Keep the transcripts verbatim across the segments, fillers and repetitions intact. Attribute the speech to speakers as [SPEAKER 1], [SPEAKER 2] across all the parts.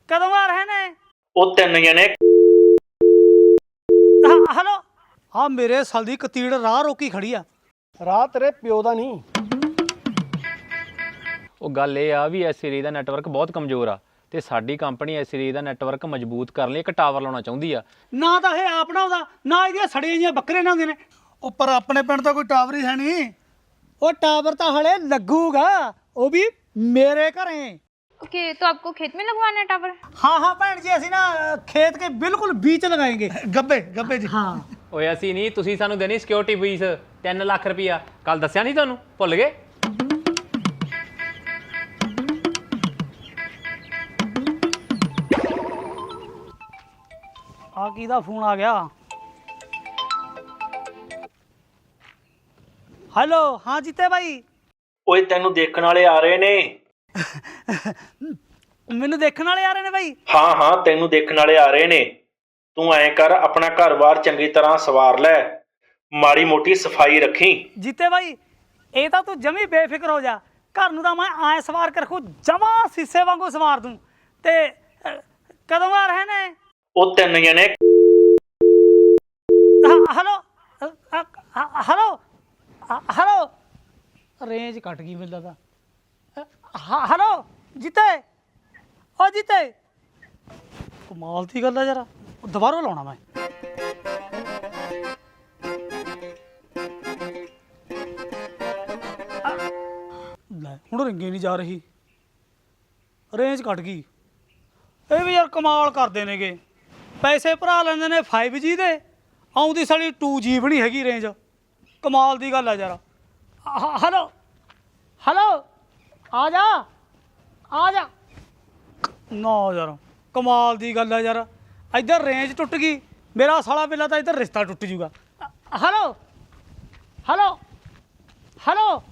[SPEAKER 1] कदों आ रहे ने?
[SPEAKER 2] ਉਹ ਤਿੰਨ ਜਣੇ
[SPEAKER 1] हेलो हाँ मेरे साल दी कतीड़ राह रोकी खड़ी आ।
[SPEAKER 3] ਰਾਹ ਤੇਰੇ ਪਿਓ ਦਾ ਨਹੀਂ।
[SPEAKER 4] ਉਹ ਗੱਲ ਇਹ ਆ ਵੀ ਐਸ ਸੀਰੀਜ਼ ਦਾ ਨੈਟਵਰਕ ਬਹੁਤ ਕਮਜ਼ੋਰ ਆ ਤੇ ਸਾਡੀ ਕੰਪਨੀ ਐਸ ਸੀਰੀਜ਼ ਦਾ ਨੈਟਵਰਕ ਮਜ਼ਬੂਤ ਕਰਨ ਲਈ ਇੱਕ ਟਾਵਰ ਲਾਉਣਾ ਚਾਹੁੰਦੀ ਆ।
[SPEAKER 1] ਨਾ ਤਾਂ ਇਹ ਆਪ ਨਾ ਉਹਦਾ ਨਾ ਇਹਦੀਆਂ ਸੜੀਆਂ ਜਿਹੀਆਂ ਬੱਕਰੇ ਨਾ ਹੁੰਦੇ ਨੇ।
[SPEAKER 3] ਉੱਪਰ ਆਪਣੇ ਪਿੰਡ ਤਾਂ ਕੋਈ ਟਾਵਰ ਹੀ ਹੈ ਨਹੀਂ।
[SPEAKER 1] ਉਹ ਟਾਵਰ ਤਾਂ ਹਲੇ ਲੱਗੂਗਾ, ਉਹ ਵੀ ਮੇਰੇ ਘਰੇ।
[SPEAKER 5] ओके तो आपको खेत में लगवाना है टावर?
[SPEAKER 1] हाँ हाँ भैन जी ਅਸੀਂ ਨਾ खेत के बिल्कुल बीच लगाएंगे।
[SPEAKER 3] ਗੱਬੇ ਗੱਬੇ ਜੀ।
[SPEAKER 1] हाँ
[SPEAKER 4] ਓਏ ਅਸੀਂ ਨਹੀਂ, ਤੁਸੀਂ ਸਾਨੂੰ ਦੇਣੀ ਸਿਕਿਉਰਿਟੀ ਫੀਸ ਤਿੰਨ ਲੱਖ ਰੁਪਈਆ। ਕੱਲ ਦੱਸਿਆ ਨਹੀਂ ਤੁਹਾਨੂੰ, ਭੁੱਲ ਗਏ?
[SPEAKER 1] ਆ ਕਿਹਦਾ ਫੋਨ ਆ ਗਿਆ? ਹੈਲੋ ਹਾਂ ਜੀਤੇ ਭਾਈ।
[SPEAKER 2] ਓਏ ਤੈਨੂੰ ਦੇਖਣ ਵਾਲੇ ਆ ਰਹੇ ਨੇ।
[SPEAKER 1] ਮੈਨੂੰ ਦੇਖਣ ਵਾਲੇ ਆ ਰਹੇ ਨੇ ਭਾਈ?
[SPEAKER 2] ਹਾਂ ਹਾਂ ਤੈਨੂੰ ਦੇਖਣ ਵਾਲੇ ਆ ਰਹੇ ਨੇ। ਤੂੰ ਐਂ ਕਰ, ਆਪਣਾ ਘਰ-ਬਾਰ ਚੰਗੀ ਤਰ੍ਹਾਂ ਸਵਾਰ ਲੈ, ਮਾੜੀ ਮੋਟੀ ਸਫਾਈ ਰੱਖੀ।
[SPEAKER 1] ਜੀਤੇ ਭਾਈ ਇਹ ਤਾਂ ਤੂੰ ਜਮੀ ਬੇਫਿਕਰ ਹੋ ਜਾ। ਘਰ ਨੂੰ ਤਾਂ ਮੈਂ ਐ ਸਵਾਰ ਕੇ ਰੱਖੂ, ਜਮਾ ਸੀਸੇ ਵਾਂਗੂ ਸਵਾਰ ਦੂੰ। ਤੇ ਅ, ਕਦੋਂ ਆ ਰਹੇ ਨੇ?
[SPEAKER 2] ਉਹ ਤਿੰਨ ਜਣੇ
[SPEAKER 1] ਹੈਲੋ ਹੈਲੋ ਹੈਲੋ ਰੇਂਜ ਕੱਟ ਗਈ ਮੈਨੂੰ ਲੱਗਦਾ। ਹੈਲੋ ਜੀਤੇ, ਓ ਜੀਤੇ ਕਮਾਲ ਦੀ ਗੱਲ ਆ ਯਾਰ, ਦੁਬਾਰਾ ਲਾਉਣਾ ਮੈਂ। ਲੈ ਹੁਣ ਰਿੰਗੇ ਨਹੀਂ ਜਾ ਰਹੀ, ਰੇਂਜ ਕੱਟ ਗਈ। ਇਹ ਵੀ ਯਾਰ ਕਮਾਲ ਕਰਦੇ ਨੇਗੇ, ਪੈਸੇ ਭਰਾ ਲੈਂਦੇ ਨੇ ਫਾਈਵ ਜੀ ਦੇ, ਆਉਂਦੀ ਸਾਡੀ ਟੂ ਜੀ ਵੀ ਨਹੀਂ ਹੈਗੀ ਰੇਂਜ। ਕਮਾਲ ਦੀ ਗੱਲ ਆ ਯਾਰ। ਹੈਲੋ ਹੈਲੋ ਆ ਜਾ ਆ ਜਾ ਨਾ ਯਾਰ, ਕਮਾਲ ਦੀ ਗੱਲ ਆ ਯਾਰ। ਇੱਧਰ ਰੇਂਜ ਟੁੱਟ ਗਈ, ਮੇਰਾ ਸਾਲਾ ਬਿੱਲਾ ਤਾਂ ਇੱਧਰ ਰਿਸ਼ਤਾ ਟੁੱਟ ਜੂਗਾ। ਹੈਲੋ ਹੈਲੋ ਹੈਲੋ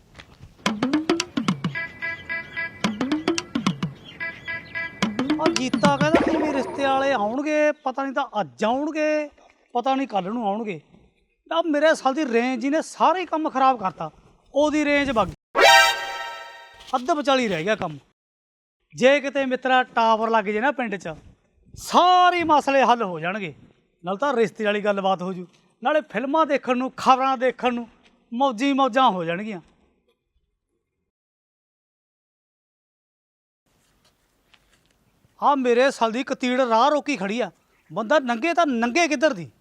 [SPEAKER 1] ਉਹ ਜੀਤਾ ਕਹਿੰਦਾ ਕਿ ਵੀ ਰਿਸ਼ਤੇ ਵਾਲੇ ਆਉਣਗੇ, ਪਤਾ ਨਹੀਂ ਤਾਂ ਅੱਜ ਆਉਣਗੇ, ਪਤਾ ਨਹੀਂ ਕੱਲ ਨੂੰ ਆਉਣਗੇ। ਤਾਂ ਮੇਰੇ ਸਾਲ ਦੀ ਰੇਂਜ ਜੀ ਨੇ ਸਾਰੇ ਕੰਮ ਖਰਾਬ ਕਰਤਾ। ਉਹਦੀ ਰੇਂਜ ਵਗ ਗਈ, ਅੱਧ ਵਿਚਾਲੀ ਰਹਿ ਗਿਆ ਕੰਮ। ਜੇ ਕਿਤੇ ਮਿੱਤਰਾ ਟਾਵਰ ਲੱਗ ਜੇ ਨਾ ਪਿੰਡ 'ਚ, ਸਾਰੇ ਮਸਲੇ ਹੱਲ ਹੋ ਜਾਣਗੇ। ਨਾਲ ਤਾਂ ਰਿਸ਼ਤੇ ਵਾਲੀ ਗੱਲਬਾਤ ਹੋ ਜੂ, ਨਾਲੇ ਫਿਲਮਾਂ ਦੇਖਣ ਨੂੰ, ਖਬਰਾਂ ਦੇਖਣ ਨੂੰ ਮੌਜੀ ਮੌਜਾਂ ਹੋ ਜਾਣਗੀਆਂ। ਆ ਮੇਰੇ ਸਾਲ ਦੀ ਕਤੀੜ ਰਾਹ ਰੋਕੀ ਖੜੀ ਆ, ਬੰਦਾ ਨੰਗੇ ਤਾਂ ਨੰਗੇ ਕਿੱਧਰ ਦੀ।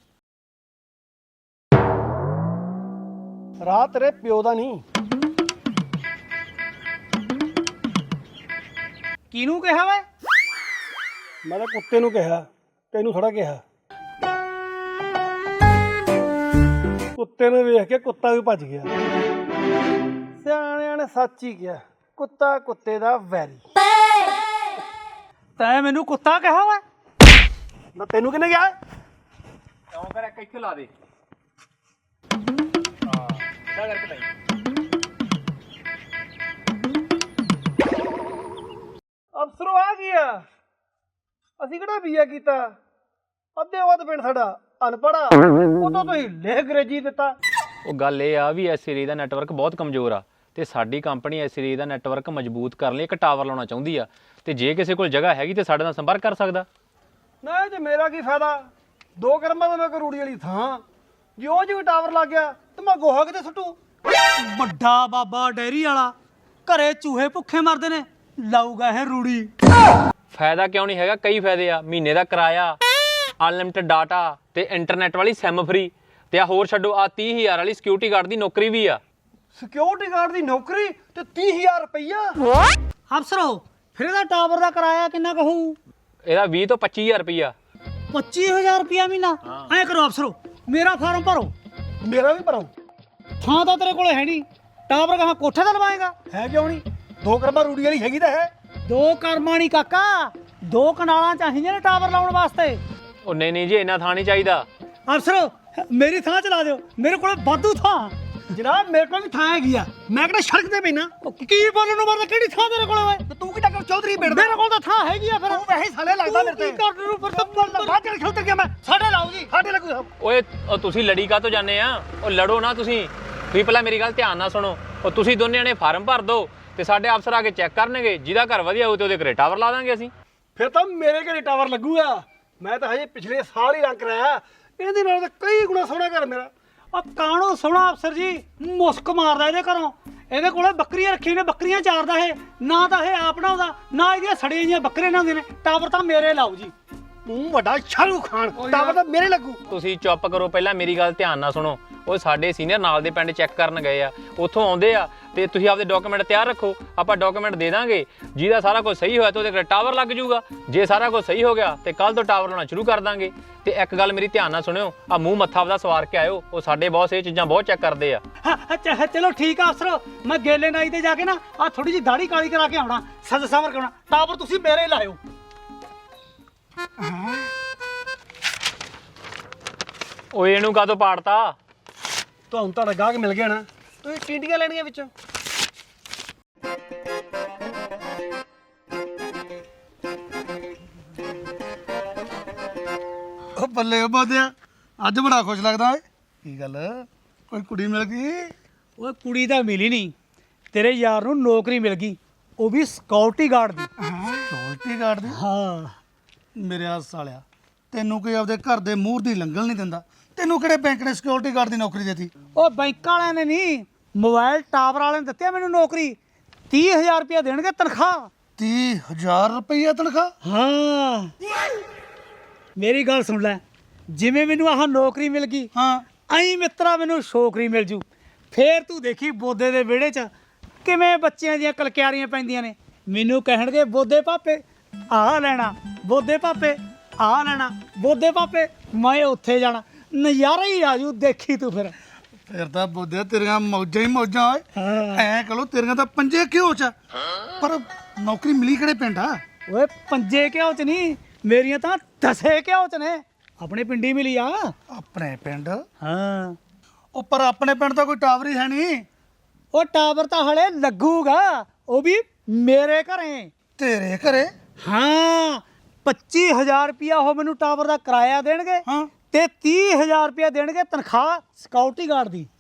[SPEAKER 3] ਰਾਹ ਤੇਰੇ ਪਿਓ ਦਾ ਨਹੀਂ।
[SPEAKER 1] ਕਿਹਨੂੰ ਕਿਹਾ ਵੇ?
[SPEAKER 3] ਮੈਂ ਤਾਂ ਕੁੱਤੇ ਨੂੰ ਕਿਹਾ, ਤੈਨੂੰ ਥੋੜਾ ਕਿਹਾ। ਕੁੱਤੇ ਨੂੰ ਵੇਖ ਕੇ ਕੁੱਤਾ ਵੀ ਭੱਜ ਗਿਆ। ਸਿਆਣਿਆਂ ਨੇ ਸੱਚ ਹੀ ਕਿਹਾ, ਕੁੱਤਾ ਕੁੱਤੇ ਦਾ ਵੈਰੀ।
[SPEAKER 1] ਤੈਂ ਮੈਨੂੰ ਕੁੱਤਾ ਕਿਹਾ ਵਾ?
[SPEAKER 3] ਨਾ ਤੈਨੂੰ ਕਿਹਨੇ ਕਿਹਾ?
[SPEAKER 4] ਕਿਉਂ ਕਰ ਇੱਕ ਇੱਥੇ ਲਾ ਦੇ। ਹਾਂ ਕਿਆ ਕਰਕੇ ਲਈ
[SPEAKER 3] ਅਫਸਰੋ ਆ ਗਿਆ। ਅਸੀਂ ਕਿਹੜਾ ਬੀਆ ਕੀਤਾ? ਅੱਧੇ ਵੱਧ ਪਿੰਡ ਸਾਡਾ ਅਨਪੜਾ, ਉਦੋਂ ਤੁਸੀਂ ਲਿਖ ਅੰਗਰੇਜ਼ੀ ਦਿੱਤਾ।
[SPEAKER 4] ਉਹ ਗੱਲ ਇਹ ਆ ਵੀ ਐਸ ਸੀਰੀਜ਼ ਦਾ ਨੈਟਵਰਕ ਬਹੁਤ ਕਮਜ਼ੋਰ ਆ ਤੇ ਸਾਡੀ ਕੰਪਨੀ ਐਸ ਸੀਰੀਜ਼ ਦਾ ਨੈਟਵਰਕ ਮਜ਼ਬੂਤ ਕਰਨ ਲਈ ਇੱਕ ਟਾਵਰ ਲਾਉਣਾ ਚਾਹੁੰਦੀ ਆ। ਤੇ ਜੇ ਕਿਸੇ ਕੋਲ ਜਗ੍ਹਾ ਹੈਗੀ ਤੇ ਸਾਡੇ ਨਾਲ ਸੰਪਰਕ ਕਰ ਸਕਦਾ।
[SPEAKER 3] ਨਾ ਜੇ ਮੇਰਾ ਕੀ ਫਾਇਦਾ, ਦੋ ਕਰਮਾਂ ਦਾ ਮੈਂ ਕੋਈ ਰੂੜੀ ਵਾਲੀ ਥਾਂ। ਜੇ ਉਹ ਜਿਹੀ ਟਾਵਰ ਲੱਗ ਗਿਆ ਤੇ ਮੈਂ ਗੋਹਾ ਕਿਤੇ ਸੁੱਟੂ?
[SPEAKER 1] ਵੱਡਾ ਬਾਬਾ ਡੈਰੀ ਵਾਲਾ, ਘਰੇ ਚੂਹੇ ਭੁੱਖੇ ਮਰਦੇ ਨੇ, ਲਾਊਗਾ ਇਹ ਰੂੜੀ।
[SPEAKER 4] ਫਾਇਦਾ ਕਿਉਂ ਨਹੀਂ ਹੈਗਾ, ਕਈ ਫਾਇਦੇ ਆ। ਮਹੀਨੇ ਦਾ ਕਿਰਾਇਆ, ਅਨਲਿਮਟਿਡ ਡਾਟਾ ਤੇ ਇੰਟਰਨੈਟ ਵਾਲੀ ਸਿਮ ਫਰੀ। ਤੇ ਆ ਹੋਰ ਛੱਡੋ, ਆ ਤੀਹ ਹਜ਼ਾਰ ਵਾਲੀ ਸਿਕਿਉਰਿਟੀ ਗਾਰਡ ਦੀ ਨੌਕਰੀ ਵੀ ਆ।
[SPEAKER 3] ਸਿਕਿਉਰਿਟੀ ਗਾਰਡ ਦੀ ਨੌਕਰੀ ਤੇ ਤੀਹ ਹਜ਼ਾਰ ਰੁਪਈਆ।
[SPEAKER 1] ਅਫਸਰੋ ਫਿਰ ਇਹਦਾ ਟਾਵਰ ਦਾ ਕਿਰਾਇਆ ਕਿੰਨਾ ਕਹੂ?
[SPEAKER 4] ਇਹਦਾ ਵੀਹ ਤੋਂ ਪੱਚੀ ਹਜ਼ਾਰ ਰੁਪਈਆ।
[SPEAKER 1] ਪੱਚੀ ਹਜ਼ਾਰ ਰੁਪਇਆ ਮਹੀਨਾ? ਐਂ ਕਰੋ ਅਫਸਰੋ, ਮੇਰਾ ਫਾਰਮ ਭਰੋ।
[SPEAKER 3] ਮੇਰਾ ਵੀ ਭਰੋ।
[SPEAKER 1] ਥਾਂ ਤਾਂ ਤੇਰੇ ਕੋਲ ਹੈ ਨਹੀਂ, ਟਾਵਰ ਕਹਾਂ ਕੋਠੇ ਤੇ ਲਵਾਏਗਾ?
[SPEAKER 3] ਹੈ ਕਿਉਂ ਨਹੀਂ? ਦੋ ਕਰਮਾਂ ਰੂੜੀ ਵਾਲੀ ਹੈਗੀ ਤਾਂ ਹੈ।
[SPEAKER 1] ਦੋ ਕਰਮਾਂ ਨਹੀਂ ਕਾਕਾ, ਦੋ ਕਨਾਲਾਂ ਚਾਹੀਦੀਆਂ ਨੇ ਟਾਵਰ ਲਾਉਣ ਵਾਸਤੇ।
[SPEAKER 4] ਉਹ ਨਹੀਂ ਨਹੀਂ ਜੀ, ਇੰਨਾ ਥਾਂ ਨਹੀਂ ਚਾਹੀਦਾ।
[SPEAKER 1] ਅਫਸਰੋ ਮੇਰੀ ਥਾਂ ਚਲਾ ਦਿਓ, ਮੇਰੇ ਕੋਲ ਵਾਧੂ ਥਾਂ।
[SPEAKER 3] ਜਨਾਬ ਮੇਰੇ ਕੋਲ ਵੀ ਥਾਂ ਹੈਗੀ ਆ, ਮੈਂ ਕਿਹੜਾ ਸੜਕ ਤੇ ਪੈਣਾ।
[SPEAKER 1] ਕੀ ਬੋਲਣ ਨੂੰ ਮਰਦਾ, ਕਿਹੜੀ ਥਾਂ ਤੇਰੇ ਕੋਲ ਓਏ?
[SPEAKER 3] ਤੇ ਤੂੰ ਕੀ ਟੱਕਰ ਚੌਧਰੀ ਪਿੰਡ
[SPEAKER 1] ਮੇਰੇ ਕੋਲ ਤਾਂ ਥਾਂ ਹੈਗੀ ਆ। ਫਿਰ
[SPEAKER 3] ਤੂੰ ਵੈਸੇ ਸਾਲੇ ਲੱਗਦਾ ਮੇਰੇ ਤੇ।
[SPEAKER 1] ਕੀ ਕਰਨ ਨੂੰ ਫਿਰ ਤਾਂ
[SPEAKER 3] ਬਾਹਰ ਚੱਲ ਖੁੱਤਰ ਗਿਆ ਮੈਂ। ਸਾਡੇ ਲਾਓ ਜੀ, ਸਾਡੇ ਲੱਗੂ।
[SPEAKER 4] ਓਏ ਉਹ ਤੁਸੀਂ ਲੜੀ ਕਾਹਤੋਂ ਜਾਂਦੇ ਆ? ਉਹ ਲੜੋ ਨਾ ਤੁਸੀਂ। ਤੁਸੀਂ ਪਹਿਲਾਂ ਮੇਰੀ ਗੱਲ ਧਿਆਨ ਨਾਲ ਸੁਣੋ। ਉਹ ਤੁਸੀਂ ਦੋਨੇ ਜਣੇ ਫਾਰਮ ਭਰ ਦਿਓ ਤੇ ਸਾਡੇ ਅਫਸਰ ਆ ਕੇ ਚੈੱਕ ਕਰਨਗੇ, ਜਿਹਦਾ ਘਰ ਵਧੀਆ ਹੋਊ ਤੇ ਉਹਦੇ ਘਰੇ ਟਾਵਰ ਲਾ ਦਾਂਗੇ ਅਸੀਂ।
[SPEAKER 3] ਫਿਰ ਤਾਂ ਮੇਰੇ ਘਰੇ ਟਾਵਰ ਲੱਗੂਗਾ। ਮੈਂ ਤਾਂ ਹਜੇ ਪਿਛਲੇ ਸਾਲ ਹੀ ਰੰਗ ਕਰਾਇਆ, ਇਹਦੇ ਨਾਲ ਤਾਂ ਕਈ ਗੁਣਾ ਸੋਹਣਾ ਘਰ ਮੇਰਾ।
[SPEAKER 1] ਉਹ ਕਾਣੋ ਸੋਹਣਾ ਅਫਸਰ ਜੀ, ਮੁਸਕ ਮਾਰਦਾ ਇਹਦੇ ਘਰੋਂ। ਇਹਦੇ ਕੋਲੇ ਬੱਕਰੀਆਂ ਰੱਖੀਆਂ ਨੇ, ਬੱਕਰੀਆਂ ਚਾਰਦਾ ਇਹ, ਨਾ ਤਾਂ ਇਹ ਆਪ ਬਣਾਉਂਦਾ, ਨਾ ਇਹਦੀਆਂ ਸੜੀਆਂ ਜਿਹੀਆਂ ਬੱਕਰੀਆਂ ਨਾ ਹੁੰਦੀਆਂ ਨੇ। ਟਾਵਰ ਤਾਂ ਮੇਰੇ ਲਾਓ ਜੀ।
[SPEAKER 3] ਤੂੰ ਵੱਡਾ ਸ਼ਾਹਰੂਖ ਖਾਨ, ਟਾਵਰ ਤਾਂ ਮੇਰੇ ਲੱਗੂ।
[SPEAKER 4] ਤੁਸੀਂ ਚੁੱਪ ਕਰੋ, ਪਹਿਲਾਂ ਮੇਰੀ ਗੱਲ ਧਿਆਨ ਨਾਲ ਸੁਣੋ। ਉਹ ਸਾਡੇ ਸੀਨੀਅਰ ਨਾਲ ਦੇ ਪਿੰਡ ਚੈੱਕ ਕਰਨ ਗਏ ਆ, ਉੱਥੋਂ ਆਉਂਦੇ ਆ ਤੇ ਤੁਸੀਂ ਆਪਦੇ ਡਾਕੂਮੈਂਟ ਤਿਆਰ ਰੱਖੋ। ਆਪਾਂ ਡਾਕੂਮੈਂਟ ਦੇ ਦਾਂਗੇ, ਜਿਹਦਾ ਸਾਰਾ ਕੁਝ ਸਹੀ ਹੋਇਆ ਤਾਂ ਉਹਦੇ ਕੋਲ ਟਾਵਰ ਲੱਗ ਜਾਊਗਾ। ਜੇ ਸਾਰਾ ਕੁਝ ਸਹੀ ਹੋ ਗਿਆ ਤੇ ਕੱਲ ਤੋਂ ਟਾਵਰ ਲਾਉਣਾ ਸ਼ੁਰੂ ਕਰ ਦਾਂਗੇ। ਤੇ ਇੱਕ ਗੱਲ ਮੇਰੀ ਧਿਆਨ ਨਾਲ ਸੁਣਿਓ, ਆ ਮੂੰਹ ਮੱਥਾ ਆਪਦਾ ਸਵਾਰ ਕੇ ਆਇਓ। ਉਹ ਸਾਡੇ ਬੌਸ ਇਹ ਚੀਜ਼ਾਂ ਬਹੁਤ ਚੈੱਕ ਕਰਦੇ ਆ।
[SPEAKER 1] ਹਾਂ, ਅੱਛਾ ਚਲੋ ਠੀਕ ਆ ਅਫਸਰ, ਮੈਂ ਗੇਲੇ ਨਾਈ ਤੇ ਜਾ ਕੇ ਨਾ ਆ ਥੋੜੀ ਜਿਹੀ ਦਾੜੀ ਕਾਲੀ ਕਰਾ ਕੇ ਆਉਣਾ, ਸੱਜ ਸਵਰ ਕਰਾਉਣਾ। ਟਾਵਰ ਤੁਸੀਂ ਮੇਰੇ ਲਾਇਓ।
[SPEAKER 4] ਓਏ ਇਹਨੂੰ ਕਾਹਤੋਂ ਪਾੜਤਾ?
[SPEAKER 3] ਤੁਹਾਨੂੰ ਤੁਹਾਡਾ ਗਾਹਕ ਮਿਲ ਗਿਆ ਨਾ, ਤੁਸੀਂ ਟੀਂਡੀਆਂ ਲੈਣੀਆਂ ਵਿੱਚੋਂ।
[SPEAKER 6] ਉਹ ਬੱਲੇ ਉਹ ਬੋਦਿਆ, ਅੱਜ ਬੜਾ ਖੁਸ਼ ਲੱਗਦਾ ਓਏ। ਕੀ ਗੱਲ, ਕੋਈ ਕੁੜੀ ਮਿਲ ਗਈ?
[SPEAKER 1] ਓਏ ਕੁੜੀ ਤਾਂ ਮਿਲੀ ਨਹੀਂ, ਤੇਰੇ ਯਾਰ ਨੂੰ ਨੌਕਰੀ ਮਿਲ ਗਈ, ਉਹ ਵੀ ਸਿਕਿਉਰਿਟੀ ਗਾਰਡ ਦੀ।
[SPEAKER 6] ਸਕਿਉਰਟੀ ਗਾਰਡ ਦੀ?
[SPEAKER 1] ਹਾਂ।
[SPEAKER 6] ਮੇਰੇ ਆ ਸਾਲਿਆ, ਤੈਨੂੰ ਕੋਈ ਆਪਦੇ ਘਰ ਦੇ ਮੂਹਰ ਦੀ ਲੰਘਣ ਨਹੀਂ ਦਿੰਦਾ। ਤੈਨੂੰ ਕਿਹੜੇ ਬੈਂਕ ਨੇ ਸਕਿਉਰਟੀ ਗਾਰਡ ਦੀ ਨੌਕਰੀ ਦਿੱਤੀ?
[SPEAKER 1] ਉਹ ਬੈਂਕ ਵਾਲਿਆਂ ਨੇ ਨਹੀਂ, ਮੋਬਾਈਲ ਟਾਵਰ ਵਾਲਿਆਂ ਨੇ ਦਿੱਤੀ ਆ ਮੈਨੂੰ ਨੌਕਰੀ। ਤੀਹ ਹਜ਼ਾਰ ਰੁਪਇਆ ਦੇਣਗੇ ਤਨਖਾਹ।
[SPEAKER 6] ਤੀਹ ਹਜ਼ਾਰ ਰੁਪਈਆ ਤਨਖਾਹ?
[SPEAKER 1] ਹਾਂ, ਮੇਰੀ ਗੱਲ ਸੁਣ ਲੈ, ਜਿਵੇਂ ਮੈਨੂੰ ਆਹ ਨੌਕਰੀ ਮਿਲ ਗਈ,
[SPEAKER 6] ਹਾਂ।
[SPEAKER 1] ਐਂ ਮਿੱਤਰਾ ਮੈਨੂੰ ਛੋਕਰੀ ਮਿਲ ਜੂ। ਫੇਰ ਤੂੰ ਦੇਖੀ ਬੋਦੇ ਦੇ ਵਿਹੜੇ 'ਚ ਕਿਵੇਂ ਬੱਚਿਆਂ ਦੀਆਂ ਕਲਕਿਆਰੀਆਂ ਪੈਂਦੀਆਂ ਨੇ। ਮੈਨੂੰ ਕਹਿਣਗੇ ਬੋਦੇ ਪਾਪੇ ਆਹ ਲੈਣਾ, ਬੋਦੇ ਪਾਪੇ ਆਹ ਲੈਣਾ, ਬੋਦੇ ਪਾਪੇ ਮੈਂ ਉੱਥੇ ਜਾਣਾ। ਨਜ਼ਾਰਾ ਹੀ ਆਜੂ, ਦੇਖੀ ਤੂੰ ਫਿਰ।
[SPEAKER 6] ਫਿਰ ਤਾਂ ਬੋਦਿਆ ਤੇਰੀਆਂ ਮੌਜਾਂ ਹੀ ਮੌਜਾਂ ਓਏ।
[SPEAKER 1] ਹਾਂ।
[SPEAKER 6] ਐਂ ਕਹੋ ਤੇਰੀਆਂ ਤਾਂ ਪੰਜੇ ਘਿਓ ਚ ਆ। ਪਰ ਨੌਕਰੀ ਮਿਲੀ ਕਿਹੜੇ ਪਿੰਡ ਆ?
[SPEAKER 1] ਓਏ ਪੰਜੇ ਘਿਓ 'ਚ ਨਹੀਂ, ਮੇਰੀਆਂ ਤਾਂ ਦਸੇ ਘਿਓ 'ਚ ਨੇ। ਆਪਣੇ ਪਿੰਡੀ ਮਿਲੀ ਆ।
[SPEAKER 6] ਆਪਣੇ ਪਿੰਡ?
[SPEAKER 1] ਹਾਂ।
[SPEAKER 6] ਉਹ ਪਰ ਆਪਣੇ ਪਿੰਡ ਤਾਂ ਕੋਈ ਟਾਵਰ ਹੀ ਹੈ ਨਹੀਂ।
[SPEAKER 1] ਉਹ ਟਾਵਰ ਤਾਂ ਹਲੇ ਲੱਗੂਗਾ, ਉਹ ਵੀ ਮੇਰੇ ਘਰੇ।
[SPEAKER 6] ਤੇਰੇ ਘਰੇ?
[SPEAKER 1] ਹਾਂ, ਪੱਚੀ ਹਜ਼ਾਰ ਰੁਪਇਆ ਉਹ ਮੈਨੂੰ ਟਾਵਰ ਦਾ ਕਿਰਾਇਆ ਦੇਣਗੇ
[SPEAKER 6] ਹਾਂ।
[SPEAKER 1] ਤੇ ਤੀਹ ਹਜ਼ਾਰ ਰੁਪਇਆ ਦੇਣਗੇ ਤਨਖਾਹ ਸਿਕਿਉਰਿਟੀ ਗਾਰਡ ਦੀ।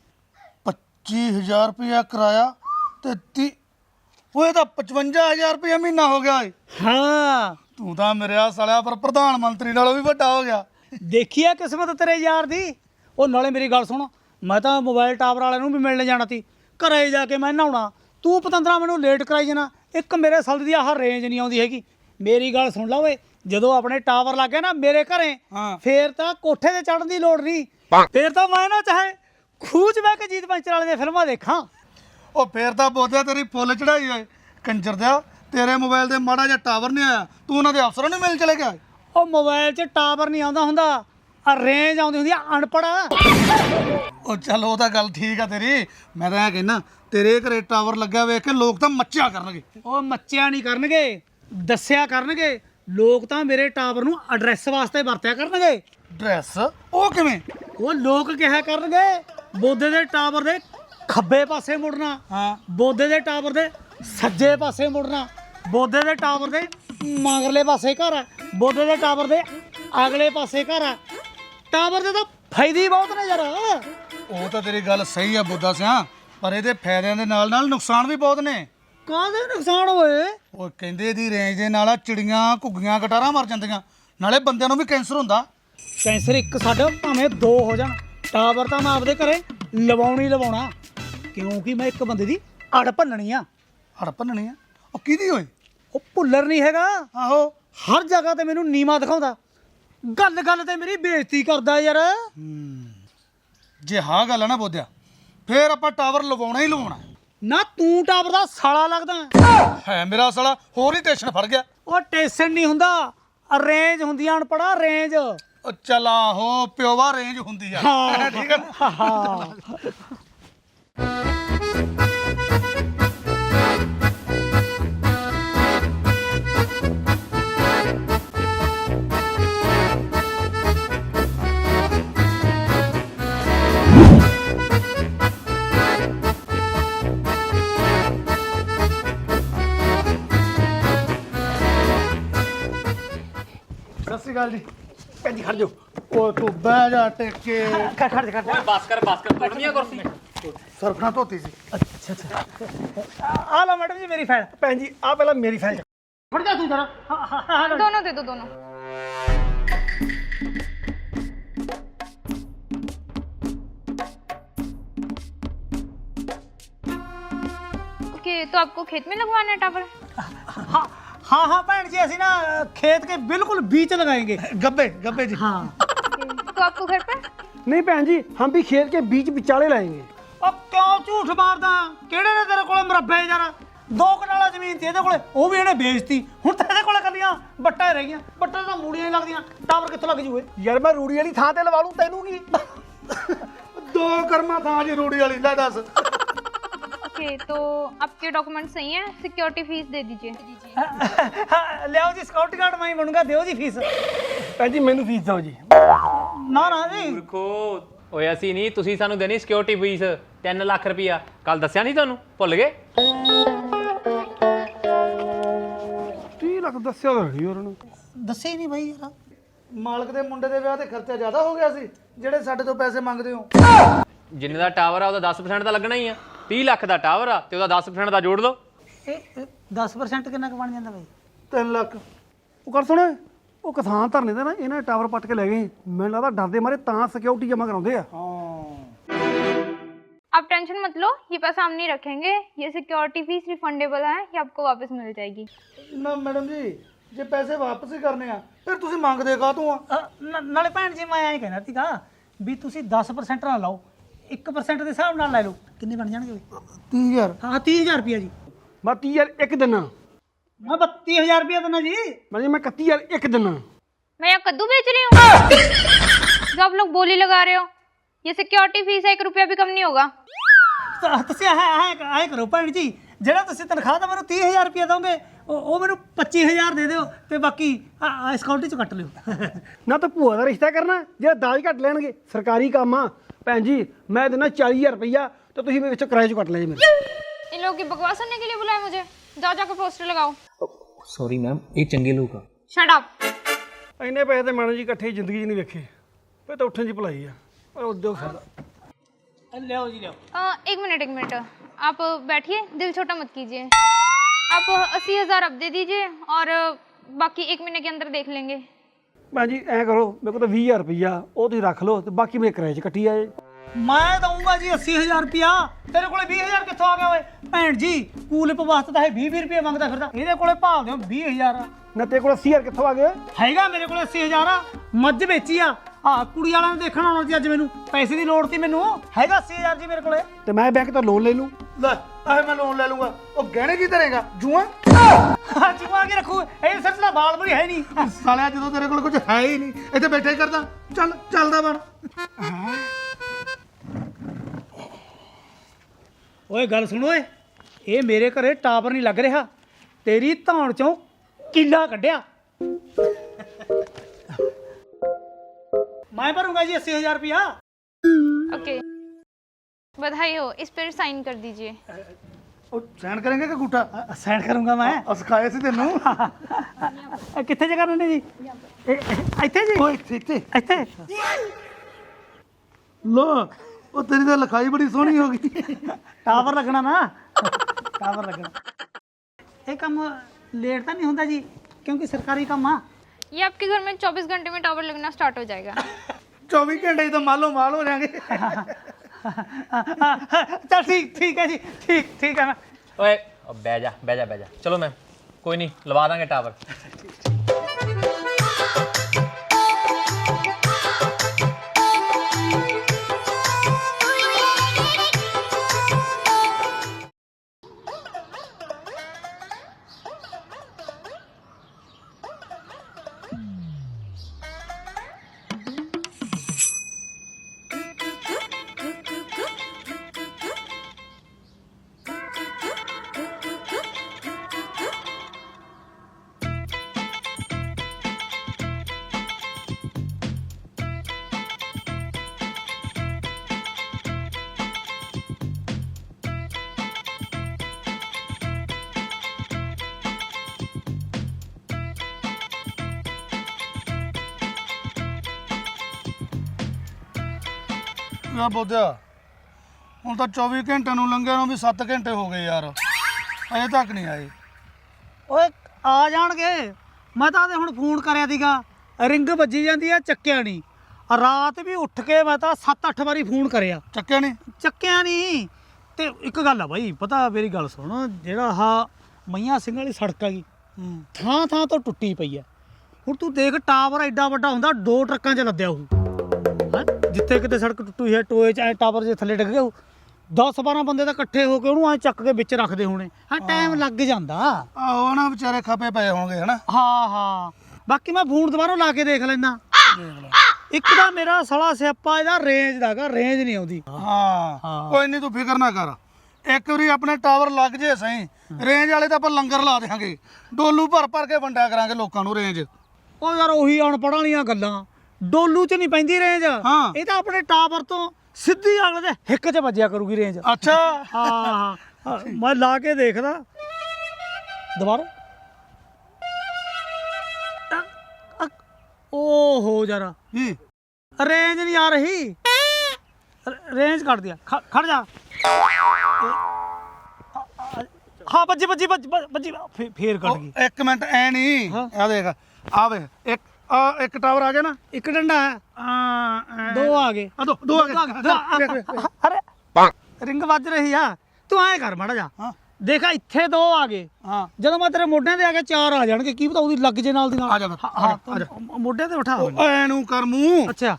[SPEAKER 6] ਪੱਚੀ ਹਜ਼ਾਰ ਰੁਪਇਆ ਕਿਰਾਇਆ ਤੇ ਤੀ ਉਹ ਤਾਂ ਪਚਵੰਜਾ ਹਜ਼ਾਰ ਰੁਪਇਆ ਮਹੀਨਾ ਹੋ ਗਿਆ ਓਏ।
[SPEAKER 1] ਹਾਂ,
[SPEAKER 6] ਤੂੰ ਤਾਂ ਮੇਰੇ ਆ ਸਾਲਿਆ ਪਰ ਪ੍ਰਧਾਨ ਮੰਤਰੀ ਨਾਲੋਂ ਵੀ ਵੱਡਾ ਹੋ ਗਿਆ।
[SPEAKER 1] ਦੇਖੀ ਆ ਕਿਸਮਤ ਤੇਰੇ ਯਾਰ ਦੀ। ਉਹ ਨਾਲੇ ਮੇਰੀ ਗੱਲ ਸੁਣ, ਮੈਂ ਤਾਂ ਮੋਬਾਈਲ ਟਾਵਰ ਵਾਲਿਆਂ ਨੂੰ ਵੀ ਮਿਲਣ ਜਾਣਾ ਸੀ, ਘਰੇ ਜਾ ਕੇ ਮੈਂ ਨਹਾਉਣਾ। ਤੂੰ ਪਤੰਦਰਾ ਮੈਨੂੰ ਲੇਟ ਕਰਾਈ ਜਾਣਾ। ਇੱਕ ਮੇਰੇ ਸਲਦ ਦੀ ਆਹ ਰੇਂਜ ਨਹੀਂ ਆਉਂਦੀ ਹੈਗੀ। ਮੇਰੀ ਗੱਲ ਸੁਣ ਲਾ ਓਏ, ਜਦੋਂ ਆਪਣੇ ਟਾਵਰ ਲੱਗ ਗਏ ਨਾ ਮੇਰੇ ਘਰੇ,
[SPEAKER 6] ਹਾਂ।
[SPEAKER 1] ਫੇਰ ਤਾਂ ਕੋਠੇ ਤੇ ਚੜਨ ਦੀ ਲੋੜ ਨਹੀਂ। ਫੇਰ ਤਾਂ ਮੈਂ ਨਾ ਚਾਹੇ ਖੂਹ 'ਚ ਬਹਿ ਕੇ ਜੀਤ ਪੰਚਰ ਵਾਲੇ ਦੀਆਂ ਫਿਲਮਾਂ ਦੇਖਾਂ।
[SPEAKER 6] ਉਹ ਫੇਰ ਤਾਂ ਬੋਦਿਆ ਤੇਰੀ ਫੁੱਲ ਚੜਾਈ ਓਏ। ਕੰਜਰ ਦਿਆ, ਤੇਰੇ ਮੋਬਾਈਲ ਤੇ ਮਾੜਾ ਜਿਹਾ ਟਾਵਰ ਨਹੀਂ ਆਇਆ, ਤੂੰ ਉਹਨਾਂ ਦੇ ਅਫਸਰਾਂ ਨੂੰ ਮਿਲ ਚਲੇ ਗਿਆ।
[SPEAKER 1] ਉਹ ਮੋਬਾਈਲ 'ਚ ਟਾਵਰ ਨਹੀਂ ਆਉਂਦਾ ਹੁੰਦਾ, ਆ ਰੇਂਜ ਆਉਂਦੀ ਹੁੰਦੀ ਆ ਅਨਪੜ੍ਹ।
[SPEAKER 6] ਉਹ ਚੱਲ ਉਹ ਤਾਂ ਗੱਲ ਠੀਕ ਆ ਤੇਰੀ। ਮੈਂ ਤਾਂ ਇਹ ਕਹਿੰਦਾ ਤੇਰੇ ਘਰੇ ਟਾਵਰ ਲੱਗਾ ਵੇਖ ਕੇ ਲੋਕ ਤਾਂ ਮੱਚਿਆ ਕਰਨਗੇ।
[SPEAKER 1] ਉਹ ਮੱਚਿਆ ਨਹੀਂ ਕਰਨਗੇ, ਦੱਸਿਆ ਕਰਨਗੇ। ਲੋਕ ਤਾਂ ਮੇਰੇ ਟਾਵਰ ਨੂੰ ਐਡਰੈਸ ਵਾਸਤੇ ਵਰਤਿਆ ਕਰਨਗੇ।
[SPEAKER 6] ਡਰੈਸ? ਉਹ ਕਿਵੇਂ?
[SPEAKER 1] ਉਹ ਲੋਕ ਕਿਹਾ ਕਰਨਗੇ ਬੋਦੇ ਦੇ ਟਾਵਰ ਦੇ ਖੱਬੇ ਪਾਸੇ ਮੁੜਨਾ,
[SPEAKER 6] ਹਾਂ।
[SPEAKER 1] ਬੋਦੇ ਦੇ ਟਾਵਰ ਦੇ ਸੱਜੇ ਪਾਸੇ ਮੁੜਨਾ, ਬੋਦੇ ਦੇ ਟਾਵਰ ਦੇ ਮਗਰਲੇ ਪਾਸੇ ਘਰ ਆ, ਬੋਦੇ ਦੇ ਟਾਵਰ ਦੇ ਅਗਲੇ ਪਾਸੇ ਘਰ ਆ। ਟਾਵਰ ਦੇ ਤਾਂ ਫਾਇਦੇ ਹੀ ਬਹੁਤ ਨੇ ਯਾਰ।
[SPEAKER 6] ਉਹ ਤਾਂ ਤੇਰੀ ਗੱਲ ਸਹੀ ਆ ਬੁੱਧਾ ਸਿਆ, ਪਰ ਇਹਦੇ ਫਾਇਦਿਆਂ ਦੇ ਨਾਲ ਨਾਲ ਨੁਕਸਾਨ ਵੀ ਬਹੁਤ ਨੇ।
[SPEAKER 1] ਕਾਹਦੇ ਨੁਕਸਾਨ ਹੋਏ?
[SPEAKER 6] ਉਹ ਕਹਿੰਦੇ ਇਹਦੀ ਰੇਂਜ ਦੇ ਨਾਲ ਚਿੜੀਆਂ ਘੁੱਗੀਆਂ ਗਟਾਰਾਂ ਮਰ ਜਾਂਦੀਆਂ, ਨਾਲੇ ਬੰਦਿਆਂ ਨੂੰ ਵੀ ਕੈਂਸਰ ਹੁੰਦਾ।
[SPEAKER 1] ਕੈਂਸਰ ਇੱਕ ਸਾਡਾ ਭਾਵੇਂ ਦੋ ਹੋ ਜਾਣ, ਟਾਵਰ ਤਾਂ ਮੈਂ ਆਪਦੇ ਘਰੇ ਲਵਾਉਣੀ ਲਵਾਉਣਾ, ਕਿਉਂਕਿ ਮੈਂ ਇੱਕ ਬੰਦੇ ਦੀ ਅੜ ਭੰਨਣੀ ਆ।
[SPEAKER 6] ਹੜ ਭੰਨਣੀ ਆ? ਉਹ ਕਿਹਦੀ ਓਏ?
[SPEAKER 1] ਉਹ ਭੁੱਲਰ ਨਹੀਂ ਹੈਗਾ,
[SPEAKER 6] ਆਹੋ।
[SPEAKER 1] ਹਰ ਜਗ੍ਹਾ ਤੇ ਮੈਨੂੰ ਨੀਵਾਂ ਦਿਖਾਉਂਦਾ, ਗੱਲ ਗੱਲ ਤੇ ਮੇਰੀ ਬੇਇੱਜ਼ਤੀ ਕਰਦਾ ਯਾਰ।
[SPEAKER 6] ਜੇ ਹਾਂ ਗੱਲ ਆ ਨਾ ਬੋਧਿਆ, ਫੇਰ ਆਪਾਂ ਟਾਵਰ ਲਵਾਉਣਾ ਹੀ ਲਵਾਉਣਾ।
[SPEAKER 1] ਨਾ ਤੂੰ ਟਾਵਰ ਦਾ ਸਾਲਾ ਲੱਗਦਾ
[SPEAKER 6] ਹੈ ਮੇਰਾ ਸਾਲਾ, ਹੋਰ ਹੀ ਟੈਸ਼ਨ ਫੜ ਗਿਆ।
[SPEAKER 1] ਉਹ ਟੇਸ਼ਨ ਨਹੀਂ ਹੁੰਦਾ, ਰੇਂਜ ਹੁੰਦੀ ਆ ਅਨਪੜਾ ਰੇਂਜ।
[SPEAKER 6] ਉਹ ਚੱਲ ਆਹੋ ਪਿਓਵਾ ਰੇਂਜ ਹੁੰਦੀ ਆ।
[SPEAKER 1] ਹਾਂ।
[SPEAKER 6] ਠੀਕ ਆ ਨਾ?
[SPEAKER 1] ਹਾਂ।
[SPEAKER 3] ਸਤਿ ਸ਼੍ਰੀ ਅਕਾਲ ਜੀ। ਭੈਣ ਜੀ ਖੜ ਜਾਓ।
[SPEAKER 6] ਉਹ ਤੂੰ ਬਹਿ ਜਾ ਟਿਕ ਕੇ।
[SPEAKER 3] ਖੜ ਖੜ ਖੜ
[SPEAKER 4] ਓਏ ਬਸ ਕਰ ਬਸ ਕਰ, ਟੁੱਟਣੀਆਂ ਕੁਰਸੀ।
[SPEAKER 6] ਸਰਫਣਾ ਧੋਤੀ ਸੀ।
[SPEAKER 1] ਅੱਛਾ ਅੱਛਾ, ਆ ਲਓ ਮੈਡਮ ਜੀ ਮੇਰੀ ਫਾਈਲ।
[SPEAKER 3] ਭੈਣ ਜੀ ਆ ਪਹਿਲਾਂ ਮੇਰੀ ਫਾਈਲ
[SPEAKER 1] फट जा तू जरा हाँ, हाँ, हाँ, हाँ।
[SPEAKER 5] दोनों दे दो दोनों। ओके, तो आपको खेत में लगवाना है टावर?
[SPEAKER 1] हाँ हाँ हाँ भैन जी, ਅਸੀਂ ਨਾ खेत के बिल्कुल बीच लगाएंगे।
[SPEAKER 6] गब्बे गब्बे जी।
[SPEAKER 1] हाँ
[SPEAKER 5] तो आपको घर पर?
[SPEAKER 3] नहीं भैन जी, हम भी खेत के बीच विचाले लाएंगे।
[SPEAKER 1] अब क्यों झूठ मारदा? ਕਿਹੜੇ ਨੇ ਤੇਰੇ ਕੋਲੇ ਮਰੱਬੇ ਯਾਰ? ਦੋ ਕਨਾਲਾ ਜ਼ਮੀਨ ਸੀ ਇਹਦੇ ਕੋਲੇ, ਉਹ ਵੀ ਇਹਨੇ ਵੇਚਤੀ। ਹੁਣ ਤਾਂ ਇਹਦੇ ਕੋਲੇ ਕੱਲੀਆਂ ਬੱਟਾਂ ਰਹਿ ਗਈਆਂ। ਬੱਟਾਂ ਤਾਂ ਮੂੜੀਆਂ ਹੀ ਲੱਗਦੀਆਂ, ਟਾਵਰ ਕਿੱਥੋਂ ਲੱਗ ਜੂਏ?
[SPEAKER 3] ਯਾਰ ਮੈਂ ਰੂੜੀ ਵਾਲੀ ਥਾਂ ਤੇ ਲਵਾ ਲੂੰ, ਤੈਨੂੰ ਕੀ?
[SPEAKER 6] ਦੋ ਕਰਮਾ ਥਾਂ ਜੀ ਰੂੜੀ ਵਾਲੀ, ਲੈ ਦੱਸ।
[SPEAKER 5] ओके, तो आपके डॉक्यूमेंट सही हैं, सिक्योरिटी फीस दे दीजिए।
[SPEAKER 1] ਲਿਆਓ ਜੀ ਸਿਕਿਉਰਿਟੀ ਗਾਰਡ, ਮੈਂ ਹੀ ਬਣੂੰਗਾ, ਦਿਓ ਜੀ ਫੀਸ।
[SPEAKER 3] ਭੈਣ ਜੀ ਮੈਨੂੰ ਫੀਸ ਦਿਓ ਜੀ।
[SPEAKER 1] ਨਾ ਨਾ ਜੀ,
[SPEAKER 4] ਦੇਖੋ ਓਏ ਅਸੀਂ ਨਹੀਂ, ਤੁਸੀਂ ਸਾਨੂੰ ਦੇਣੀ ਸਿਕਿਉਰਿਟੀ ਫੀਸ ਤਿੰਨ ਲੱਖ ਰੁਪਈਆ। ਕੱਲ ਦੱਸਿਆ ਨਹੀਂ ਤੁਹਾਨੂੰ, ਭੁੱਲ ਗਏ?
[SPEAKER 3] ਤੀਹ ਲੱਖ ਦੱਸਿਆ ਤਾਂ ਨਹੀਂ ਉਹਨਾਂ ਨੂੰ।
[SPEAKER 1] ਦੱਸੇ ਹੀ ਨਹੀਂ ਬਾਈ ਯਾਰ।
[SPEAKER 6] ਮਾਲਕ ਦੇ ਮੁੰਡੇ ਦੇ ਵਿਆਹ ਤੇ ਖਰਚਾ ਜ਼ਿਆਦਾ ਹੋ ਗਿਆ ਸੀ, ਜਿਹੜੇ ਸਾਡੇ ਤੋਂ ਪੈਸੇ ਮੰਗਦੇ ਹੋ।
[SPEAKER 4] ਜਿੰਨੇ ਦਾ ਟਾਵਰ ਆ ਉਹਦਾ ਦਸ ਪਰਸੈਂਟ ਤਾਂ ਲੱਗਣਾ ਹੀ ਆ। ਤੀਹ ਲੱਖ ਦਾ ਟਾਵਰ ਆ ਤੇ ਉਹਦਾ ਦਸ ਪਰਸੈਂਟ ਦਾ ਜੋੜ ਲਓ।
[SPEAKER 1] ਇਹ ਦਸ ਪਰਸੈਂਟ ਕਿੰਨਾ ਕੁ ਬਣ ਜਾਂਦਾ ਬਾਈ?
[SPEAKER 6] ਤਿੰਨ ਲੱਖ।
[SPEAKER 3] ਉਹ ਕਰ ਸੁਣ, ਉਹ ਕਿਸਾਨ ਧਰਨੇ ਤੇ ਨਾ ਇਹਨਾਂ ਟਾਵਰ ਪੱਟ ਕੇ ਲੈ ਗਏ। ਮੈਨੂੰ ਲੱਗਦਾ ਡਰਦੇ ਮਾਰੇ ਤਾਂ ਸਿਕਿਉਰਿਟੀ ਜਮ੍ਹਾਂ ਕਰਾਉਂਦੇ ਆ।
[SPEAKER 5] आप टेंशन मत लो, ये पैसा हम नहीं रखेंगे। ये सिक्योरिटी फीस रिफंडेबल है, ये आपको वापस मिल जाएगी।
[SPEAKER 6] ਨਾ ਮੈਡਮ ਜੀ, ਜੇ ਪੈਸੇ ਵਾਪਸ ਹੀ ਕਰਨੇ ਆ ਫਿਰ ਤੁਸੀਂ ਮੰਗਦੇ ਕਾਹਤੋਂ ਆ?
[SPEAKER 1] ਅ, ਨ- ਨਾਲੇ ਭੈਣ ਜੀ ਮੈਂ ਐਂ ਕਹਿਣਾ ਸੀਗਾ ਵੀ ਤੁਸੀਂ ਦਸ ਪਰਸੈਂਟ ਨਾ ਲਾਓ, ਇੱਕ ਪਰਸੈਂਟ ਦੇ ਹਿਸਾਬ ਨਾਲ ਲੈ ਲਓ। ਕਿੰਨੇ ਬਣ ਜਾਣਗੇ ਬਈ?
[SPEAKER 6] ਤੀਹ ਹਜ਼ਾਰ।
[SPEAKER 1] ਹਾਂ ਤੀਹ ਹਜ਼ਾਰ ਰੁਪਇਆ ਜੀ।
[SPEAKER 3] ਮੈਂ ਤੀਹ ਹਜ਼ਾਰ ਇੱਕ ਦਿਨਾ।
[SPEAKER 1] ਮੈਂ ਬੱਤੀ ਹਜ਼ਾਰ ਰੁਪਇਆ ਦਿੰਦਾ ਜੀ।
[SPEAKER 3] ਮੈਂ ਜੀ ਮੈਂ ਇਕੱਤੀ ਹਜ਼ਾਰ ਇੱਕ ਦਿਨਾ।
[SPEAKER 5] मैं यहाँ कद्दू बेच रही हूँ जो आप लोग बोली लगा रहे हो। ये सिक्योरिटी फीस है, एक रुपया भी कम नहीं होगा।
[SPEAKER 1] ਤਾਂ ਤੁਸੀਂ ਐਂ ਐਂ ਐਂ ਕਰੋ ਭੈਣ ਜੀ, ਜਿਹੜਾ ਤੁਸੀਂ ਤਨਖਾਹ ਦਾ ਮੈਨੂੰ ਤੀਹ ਹਜ਼ਾਰ ਰੁਪਇਆ ਦੋਗੇ, ਉਹ ਉਹ ਮੈਨੂੰ ਪੱਚੀ ਹਜ਼ਾਰ ਦੇ ਦਿਓ ਤੇ ਬਾਕੀ ਸਿਕਿਉਰਿਟੀ ਚੋਂ ਕੱਟ ਲਿਓ।
[SPEAKER 3] ਨਾ ਤਾਂ ਭੂਆ ਦਾ ਰਿਸ਼ਤਾ ਕਰਨਾ ਜਿਹੜਾ ਦਾਜ ਘੱਟ ਲੈਣਗੇ, ਸਰਕਾਰੀ ਕੰਮ ਆ। ਭੈਣ ਜੀ ਮੈਂ ਦਿੰਦਾ ਚਾਲੀ ਹਜ਼ਾਰ ਰੁਪਈਆ ਤੇ ਤੁਸੀਂ ਮੇਰੇ ਵਿੱਚੋਂ ਕਿਰਾਏ ਚੋਂ ਕੱਟ ਲਿਆ ਜੀ ਮੇਰੇ।
[SPEAKER 5] इन लोगों की बकवास सुनने के लिए बुलाया मुझे? जाओ जाकर पोस्टर लगाओ।
[SPEAKER 4] ਸੌਰੀ ਮੈਮ, ਇਹ ਚੰਗੇ ਲੋਕ ਆ।
[SPEAKER 5] Shut up.
[SPEAKER 3] ਇੰਨੇ ਪੈਸੇ ਤੇ ਮੈਡਮ ਜੀ ਇਕੱਠੇ ਜ਼ਿੰਦਗੀ 'ਚ ਨਹੀਂ ਵੇਖੇ। ਫਿਰ ਤਾਂ ਉੱਠਣ 'ਚ ਭਲਾਈ ਆ, ਪਰ ਉਦੋਂ ਫਾਇਦਾ।
[SPEAKER 1] ਲਿਆਓ ਜੀ ਲਿਆਓ।
[SPEAKER 5] अ, एक मिनट एक मिनट, आप बैठिए, दिल छोटा मत कीजिए। आप अस्सी हजार अब दे दीजिए और बाकी एक महीने के अंदर देख लेंगे।
[SPEAKER 3] ਭੈਣ ਜੀ ਐਂ ਕਰੋ, ਮੇਰੇ ਕੋਲ ਤਾਂ ਵੀਹ ਹਜ਼ਾਰ ਰੁਪਈਆ ਉਹ ਤੁਸੀਂ ਰੱਖ ਲਓ ਤੇ ਬਾਕੀ ਮੇਰੇ ਕਿਰਾਏ 'ਚ ਕੱਟੀ ਆਏ।
[SPEAKER 1] ਮੈਂ ਦਊਂਗਾ ਜੀ ਅੱਸੀ ਹਜ਼ਾਰ ਰੁਪਇਆ। ਤੇਰੇ ਕੋਲੇ ਵੀਹ ਹਜ਼ਾਰ ਕਿੱਥੋਂ ਆ ਗਿਆ ਓਏ? ਭੈਣ ਜੀ ਕੂਲਿਪ ਵਾਸਤੇ ਤਾਂ ਇਹ ਵੀਹ ਵੀਹ ਰੁਪਏ ਮੰਗਦਾ ਫਿਰਦਾ, ਇਹਦੇ ਕੋਲੇ ਭਾਲ ਦਿਓ ਵੀਹ ਹਜ਼ਾਰ।
[SPEAKER 3] ਨਾ ਤੇਰੇ ਕੋਲ ਅੱਸੀ ਹਜ਼ਾਰ ਕਿੱਥੋਂ ਆ ਗਏ?
[SPEAKER 1] ਹੈਗਾ ਮੇਰੇ ਕੋਲੇ ਅੱਸੀ ਹਜ਼ਾਰ ਆ, ਮੱਝ ਵੇਚੀ ਆ। ਹਾਂ ਕੁੜੀ ਵਾਲਿਆਂ ਨੇ ਦੇਖਣ ਆਉਣਾ ਸੀ ਅੱਜ, ਮੈਨੂੰ ਪੈਸੇ ਦੀ ਲੋੜ ਸੀ, ਮੈਨੂੰ ਹੈਗਾ ਅੱਸੀ ਹਜ਼ਾਰ ਜੀ ਮੇਰੇ ਕੋਲੇ।
[SPEAKER 3] ਤੇ ਮੈਂ ਬੈਂਕ ਤੋਂ ਲੋਨ ਲੈ ਲੂੰ।
[SPEAKER 6] ਲੈ ਆਹ ਮੈਂ ਲੋਨ ਲੈ ਲੂੰਗਾ। ਉਹ ਗਹਿਣੇ ਕੀ ਧਰੇਗਾ? ਜੂਆ?
[SPEAKER 1] ਜੁਆ ਕੇ ਰੱਖੂ, ਇਹ ਸੱਚ ਦਾ ਬਾਲ ਬੁਰੀ ਹੈ ਨਹੀਂ।
[SPEAKER 6] ਸਾਲਿਆ ਜਦੋਂ ਤੇਰੇ ਕੋਲ ਕੁਝ ਹੈ ਹੀ ਨਹੀਂ, ਇੱਥੇ ਬੈਠੇ ਹੀ ਕਰਦਾ। ਚੱਲ ਚੱਲਦਾ ਬਣ।
[SPEAKER 1] ਓਏ ਗੱਲ ਸੁਣ ਓਏ, ਇਹ ਮੇਰੇ ਘਰੇ ਟਾਵਰ ਨਹੀਂ ਲੱਗ ਰਿਹਾ, ਤੇਰੀ ਧੌਣ ਚੋਂ ਕਿੱਲਾ ਕੱਢਿਆ। ਮੈਂ ਭਰੂੰਗਾ ਜੀ अस्सी हज़ार रुपया।
[SPEAKER 5] ओके, बधाई हो, इस पर साइन कर दीजिए।
[SPEAKER 6] ਉਹ ਸੈਨ ਕਰੇਂਗੇ ਕਿ ਗੂਠਾ?
[SPEAKER 1] ਸਾਈਨ ਕਰੂੰਗਾ ਮੈਂ।
[SPEAKER 6] ਅਸਖਾਏ ਸੀ ਤੈਨੂੰ।
[SPEAKER 1] ਇਹ ਕਿੱਥੇ ਜਗ੍ਹਾ ਨੇ ਜੀ? ਇਹ- ਇਹ- ਇੱਥੇ ਜੀ?
[SPEAKER 6] ਓਏ ਇੱਥੇ ਇੱਥੇ
[SPEAKER 1] ਇੱਥੇ
[SPEAKER 6] ਲੋ, ਉਹ ਤੇਰੀ ਤਾਂ ਲਿਖਾਈ ਬੜੀ ਸੋਹਣੀ ਹੋ ਗਈ।
[SPEAKER 1] ਟਾਵਰ ਲੱਗਣਾ ਨਾ, ਟਾਵਰ ਲੱਗਣਾ। ਇਹ ਕੰਮ ਲੇਟ ਤਾਂ ਨਹੀਂ ਹੁੰਦਾ ਜੀ, ਕਿਉਂਕਿ ਸਰਕਾਰੀ ਕੰਮ ਆ।
[SPEAKER 5] ये आपके घर में चौबीस घंटे में टावर लगना स्टार्ट हो जाएगा।
[SPEAKER 6] ਚੌਵੀ ਘੰਟੇ ਹੀ ਤਾਂ ਮਾਲੋ ਮਾਲ ਹੋ ਜਾਾਂਗੇ।
[SPEAKER 1] ਚਲ ਠੀਕ ਠੀਕ ਹੈ ਜੀ, ਠੀਕ ਠੀਕ ਹੈ। ਮੈਂ
[SPEAKER 4] ਓਏ ਉਹ ਬਹਿ ਜਾ ਬਹਿ ਜਾ ਬਹਿ ਜਾ। ਚਲੋ ਮੈਮ, ਕੋਈ ਨਹੀਂ, ਲਵਾ ਦਾਂਗੇ ਟਾਵਰ।
[SPEAKER 6] ਨਾ ਬੋਧਿਆ, ਹੁਣ ਤਾਂ ਚੌਵੀ ਘੰਟੇ ਨੂੰ ਲੰਘਿਆ ਨੂੰ ਵੀ ਸੱਤ ਘੰਟੇ ਹੋ ਗਏ ਯਾਰ, ਅਜੇ ਤੱਕ ਨਹੀਂ ਆਏ।
[SPEAKER 1] ਓਏ ਆ ਜਾਣਗੇ। ਮੈਂ ਤਾਂ ਤੇ ਹੁਣ ਫੋਨ ਕਰਿਆ ਸੀਗਾ, ਰਿੰਗ ਵੱਜੀ ਜਾਂਦੀ ਆ, ਚੱਕਿਆ ਨਹੀਂ। ਰਾਤ ਵੀ ਉੱਠ ਕੇ ਮੈਂ ਤਾਂ ਸੱਤ ਅੱਠ ਵਾਰੀ ਫੋਨ ਕਰਿਆ,
[SPEAKER 6] ਚੱਕਿਆ ਨਹੀਂ।
[SPEAKER 1] ਚੱਕਿਆ ਨਹੀਂ। ਤੇ ਇੱਕ ਗੱਲ ਆ ਬਾਈ, ਪਤਾ ਮੇਰੀ ਗੱਲ ਸੁਣ, ਜਿਹੜਾ ਆਹ ਮਈਆਂ ਸਿੰਘ ਵਾਲੀ ਸੜਕ ਹੈਗੀ ਥਾਂ ਥਾਂ ਤੋਂ ਟੁੱਟੀ ਪਈ ਆ। ਹੁਣ ਤੂੰ ਦੇਖ ਟਾਵਰ ਐਡਾ ਵੱਡਾ ਹੁੰਦਾ, ਦੋ ਟਰੱਕਾਂ 'ਚ ਲੱਦਿਆ ਹੋਊ ਹੈਂ। ਜਿੱਥੇ ਕਿਤੇ ਸੜਕ ਟੁੱਟੀ ਹੈ ਟੋਏ 'ਚ ਐ ਟਾਵਰ ਜੇ ਥੱਲੇ ਡਿੱਗ ਗਿਆ ਹੋਊ, ਦਸ ਬਾਰਾਂ ਬੰਦੇ ਤਾਂ ਇਕੱਠੇ ਹੋ ਕੇ ਉਹਨੂੰ ਐ ਚੱਕ ਕੇ ਵਿੱਚ ਰੱਖਦੇ ਹੋਣੇ। ਹਾਂ ਟਾਈਮ ਲੱਗ ਜਾਂਦਾ।
[SPEAKER 6] ਆਹੋ ਨਾ ਵਿਚਾਰੇ ਖਪੇ ਪਏ ਹੋਣਗੇ ਹਨਾ।
[SPEAKER 1] ਹਾਂ ਹਾਂ, ਬਾਕੀ ਮੈਂ ਫੋਨ ਦੁਬਾਰਾ ਲਾ ਕੇ ਦੇਖ ਲੈਣਾ। ਇੱਕ ਤਾਂ ਮੇਰਾ ਸਾਲਾ ਸਿਆਪਾ ਇਹਦਾ ਰੇਂਜ ਦਾ ਗਾ, ਰੇਂਜ ਨਹੀਂ ਆਉਂਦੀ।
[SPEAKER 6] ਹਾਂ
[SPEAKER 1] ਹਾਂ।
[SPEAKER 6] ਕੋਈ ਨਹੀਂ ਤੂੰ ਫਿਕਰ ਨਾ ਕਰ, ਇੱਕ ਵਾਰੀ ਆਪਣੇ ਟਾਵਰ ਲੱਗ ਜੇ ਸਹੀ, ਰੇਂਜ ਵਾਲੇ ਤਾਂ ਆਪਾਂ ਲੰਗਰ ਲਾ ਦੇਾਂਗੇ, ਡੋਲੂ ਭਰ ਭਰ ਕੇ ਵੰਡਿਆ ਕਰਾਂਗੇ ਲੋਕਾਂ ਨੂੰ ਰੇਂਜ।
[SPEAKER 1] ਉਹ ਯਾਰ ਉਹੀ ਅਨਪੜ੍ਹਾਂ ਵਾਲੀਆਂ ਗੱਲਾਂ, ਡੋਲੂ 'ਚ ਨਹੀਂ ਪੈਂਦੀ ਰੇਂਜ।
[SPEAKER 6] ਹਾਂ।
[SPEAKER 1] ਇਹ ਤਾਂ ਆਪਣੇ ਟਾਵਰ ਤੋਂ ਸਿੱਧੀ ਅਗਲੇ ਦੇ ਹਿੱਕ 'ਚ ਵੱਜਿਆ ਕਰੂਗੀ ਰੇਂਜ।
[SPEAKER 6] ਅੱਛਾ
[SPEAKER 1] ਹਾਂ ਹਾਂ ਹਾਂ, ਮੈਂ ਲਾ ਕੇ ਦੇਖਦਾ ਦੁਬਾਰਾ। ਓਹੋ ਜਰਾ
[SPEAKER 6] ਕੀ
[SPEAKER 1] ਰੇਂਜ ਨਹੀਂ ਆ ਰਹੀ, ਰੇਂਜ ਕੱਟ ਦਿਆ। ਖ- ਖੜ ਜਾ। ਹਾਂ ਵੱਜੀ ਵੱਜੀ ਵੱਜੀ ਵੱਜੀ, ਫੇ- ਫੇਰ ਕੱਟ ਗਈ।
[SPEAKER 6] ਉਹ ਇੱਕ ਮਿੰਟ ਐ ਨਹੀਂ,
[SPEAKER 1] ਹਾਂ।
[SPEAKER 6] ਆ ਦੇਖ ਆ ਵੇ ਇੱਕ ਆ ਇੱਕ ਟਾਵਰ ਆ ਗਿਆ ਨਾ,
[SPEAKER 1] ਇੱਕ ਡੰਡਾ ਹੈ,
[SPEAKER 6] ਆ
[SPEAKER 1] ਦੋ ਆ ਗਏ।
[SPEAKER 6] ਆ ਦੋ ਦੋ ਆ ਗਏ। ਵੇਖ, ਵੇਖ, ਵੇਖ।
[SPEAKER 1] ਅਰੇ ਰਿੰਗ ਵੱਜ ਰਹੀ ਆ, ਤੂੰ ਐਂ ਕਰ ਮਾੜਾ ਜਾ।
[SPEAKER 6] ਹਾਂ
[SPEAKER 1] ਦੇਖ ਇੱਥੇ ਦੋ ਆ ਗਏ,
[SPEAKER 6] ਹਾਂ
[SPEAKER 1] ਜਦੋਂ ਮੈਂ ਤੇਰੇ ਮੋਢਿਆਂ ਤੇ ਆ ਕੇ ਚਾਰ ਆ ਜਾਣਗੇ, ਕੀ ਪਤਾ ਉਹਦੀ ਲੱਗ ਜੇ ਨਾਲ ਦੀ ਨਾਲ।
[SPEAKER 6] ਆ ਜਾ ਫਿਰ,
[SPEAKER 1] ਹਾਂ,
[SPEAKER 6] ਆ ਜਾ,
[SPEAKER 1] ਹਾਂ,
[SPEAKER 6] ਆ ਜਾ।
[SPEAKER 1] ਤੂੰ ਮੋਢਿਆਂ ਤੇ ਬਿਠਾ
[SPEAKER 6] ਉਹ
[SPEAKER 1] ਮੈਨੂੰ।
[SPEAKER 6] ਐ ਨੂੰ ਕਰ ਮੂੰਹ।
[SPEAKER 1] ਅੱਛਾ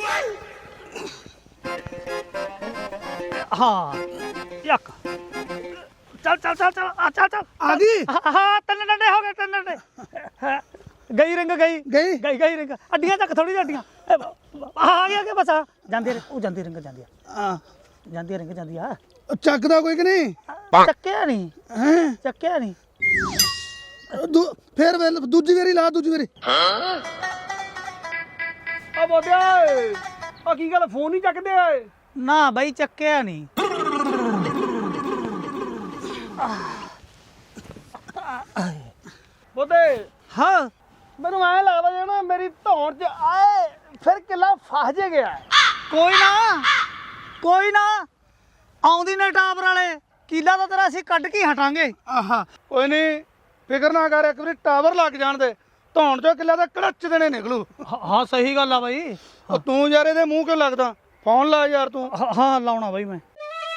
[SPEAKER 1] ਹਾਂ ਯੱਕ, ਚੱਲ ਚੱਲ ਚੱਲ ਚੱਲ ਆ ਚੱਲ ਚੱਲ
[SPEAKER 6] ਆ ਗਈ
[SPEAKER 1] ਹਾਂ ਹਾਂ, ਤਿੰਨ ਡੰਡੇ ਹੋ ਗਏ, ਤਿੰਨ ਡੰਡੇ। ਹਾਂ, ਗਈ ਰਿੰਗ ਗਈ
[SPEAKER 6] ਗਈ
[SPEAKER 1] ਗਈ ਗਈ ਰਿੰਗ, ਅੱਡੀਆਂ ਚੱਕ ਥੋੜੀ ਜਿਹੀ ਅੱਡੀਆਂ। ਇਹ ਬ- ਆ ਗਿਆ ਕਿ ਬਸ ਆ ਜਾਂਦੀ ਰਿੰਗ, ਉਹ ਜਾਂਦੀ ਰਿੰਗ ਜਾਂਦੀ ਆ,
[SPEAKER 6] ਹਾਂ
[SPEAKER 1] ਜਾਂਦੀ ਰਿੰਗ ਜਾਂਦੀ ਆ।
[SPEAKER 6] ਚੱਕਦਾ ਕੋਈ ਕਿ ਨਹੀਂ
[SPEAKER 1] ਚੱਕਿਆ ਨਹੀਂ,
[SPEAKER 6] ਹੈ
[SPEAKER 1] ਚੱਕਿਆ ਨਹੀਂ।
[SPEAKER 6] ਫੇਰ ਵੇਲ ਦੂਜੀ ਵਾਰੀ ਲਾ, ਦੂਜੀ ਵਾਰੀ।
[SPEAKER 3] ਆ ਬੋਦਿਆ ਆ ਕੀ ਗੱਲ ਫੋਨ ਨਹੀਂ ਚੱਕਦੇ ਓਏ?
[SPEAKER 1] ਨਾ ਬਾਈ ਚੱਕਿਆ ਨਹੀਂ।
[SPEAKER 3] ਬੋਦੇ
[SPEAKER 1] ਹਾਂ
[SPEAKER 3] ਮੈਨੂੰ ਐ ਲੱਗਦਾ ਜੇ ਨਾ ਮੇਰੀ ਧੌਣ 'ਚ ਆਏ ਫਿਰ ਕਿੱਲਾ ਫਸ ਜੇ ਗਿਆ।
[SPEAKER 1] ਕੋਈ ਨਾ ਕੋਈ ਨਾ, ਆਉਂਦੀ ਨੇ ਟਾਵਰ ਵਾਲੇ, ਕੀਲਾ ਤਾਂ ਤੇਰਾ ਅਸੀਂ ਕੱਢ ਕੇ ਹੀ ਹਟਾਂਗੇ।
[SPEAKER 6] ਆਹਾ ਕੋਈ ਨਹੀਂ ਫਿਕਰ ਨਾ ਕਰ, ਇੱਕ ਵਾਰੀ ਟਾਵਰ ਲੱਗ ਜਾਣ ਦੇ, ਧੌਣ ਚੋਂ ਕਿੱਲਾ ਦਾ ਕੜਚ ਦੇਣੇ ਨਿਕਲੂ।
[SPEAKER 1] ਹਾਂ ਹਾਂ, ਸਹੀ ਗੱਲ ਆ ਬਾਈ।
[SPEAKER 6] ਉਹ ਤੂੰ ਯਾਰ ਇਹਦੇ ਮੂੰਹ ਕਿਉਂ ਲੱਗਦਾ, ਫੋਨ ਲਾ ਯਾਰ ਤੂੰ।
[SPEAKER 1] ਹਾਂ ਹਾਂ ਲਾਉਣਾ ਬਾਈ ਮੈਂ।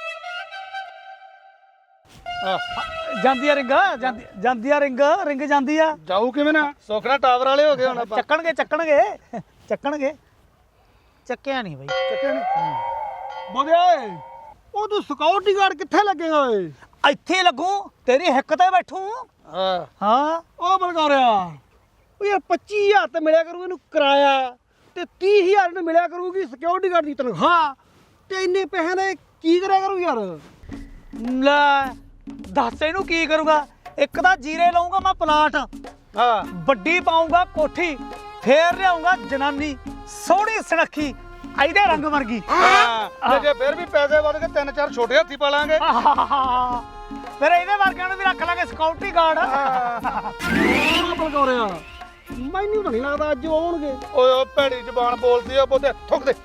[SPEAKER 6] ਆਹ,
[SPEAKER 1] ਜਾਂਦੀ ਆ ਰਿੰਗ, ਜਾਂਦੀ ਜਾਂਦੀ ਆ ਰਿੰਗ, ਰਿੰਗ ਜਾਂਦੀ ਆ।
[SPEAKER 6] ਜਾਊ ਕਿਵੇਂ ਨਾ, ਸੋਖਣਾ ਟਾਵਰ ਵਾਲੇ ਹੋ ਗਏ ਹੁਣ ਆਪਾਂ।
[SPEAKER 1] ਚੱਕਣਗੇ ਚੱਕਣਗੇ ਚੱਕਣਗੇ। ਚੱਕਿਆ ਨਹੀਂ ਬਾਈ।
[SPEAKER 6] ਚੱਕੇ ਨੀ?
[SPEAKER 3] ਬੋਦਿਆ ਓਏ ਉਹ ਤੂੰ ਸਿਕਿਉਰਿਟੀ ਗਾਰਡ ਕਿੱਥੇ ਲੱਗੇਗਾ ਓਏ?
[SPEAKER 1] ਇੱਥੇ ਲੱਗੂ, ਤੇਰੀ ਹਿੱਕ ਤੇ ਬੈਠੂ।
[SPEAKER 6] ਹਾਂ
[SPEAKER 1] ਹਾਂ
[SPEAKER 3] ਉਹ ਬਲਗਾਰਿਆ ਉਹ ਯਾਰ ਪੱਚੀ ਹਜ਼ਾਰ ਤੇ ਮਿਲਿਆ ਕਰੂ ਇਹਨੂੰ ਕਿਰਾਇਆ, ਤੇ ਤੀਹ ਹਜ਼ਾਰ ਇਹਨੂੰ ਮਿਲਿਆ ਕਰੂਗੀ ਸਿਕਿਉਰਿਟੀ ਗਾਰਡ ਦੀ ਤਨਖਾਹ, ਤੇ ਇੰਨੇ ਪੈਸੇ ਦਾ ਇਹ ਕੀ ਕਰਿਆ ਕਰੂ ਯਾਰ?
[SPEAKER 1] ਲੈ ਦੱਸ ਇਹਨੂੰ ਕੀ ਕਰੂਗਾ। ਇੱਕ ਤਾਂ ਜੀਰੇ ਲਾਉਂਗਾ ਮੈਂ ਪਲਾਟ,
[SPEAKER 6] ਹਾਂ
[SPEAKER 1] ਵੱਡੀ ਪਾਉਂਗਾ ਕੋਠੀ, ਫੇਰ ਲਿਆਉਂਗਾ ਜਨਾਨੀ ਸੋਹਣੀ ਸੁਨੱਖੀ ਇਹਦੇ ਰੰਗ ਵਰਗੀ।
[SPEAKER 6] ਹਾਂ ਤੇ ਜੇ ਫਿਰ ਵੀ ਪੈਸੇ ਵਧ ਕੇ ਤਿੰਨ ਚਾਰ ਛੋਟੇ ਹੱਥੀ ਪਾ ਲਾਂਗੇ।
[SPEAKER 1] ਫਿਰ ਇਹਦੇ ਵਰਗਿਆਂ ਨੂੰ ਵੀ ਰੱਖ ਲਾਂਗੇ ਸਿਕਿਉਰਿਟੀ ਗਾਰਡ।
[SPEAKER 3] ਉਹ ਬਲਗਾਰਿਆ ਮੈਨੂੰ ਤਾਂ ਨਹੀਂ ਲੱਗਦਾ ਅੱਜ ਉਹ ਆਉਣਗੇ।
[SPEAKER 6] ਓਏ ਉਹ ਭੈੜੀ ਜ਼ਬਾਨ ਬੋਲਦੀ ਆ, ਬੋਤੇ ਥੁੱਕ ਦੇ।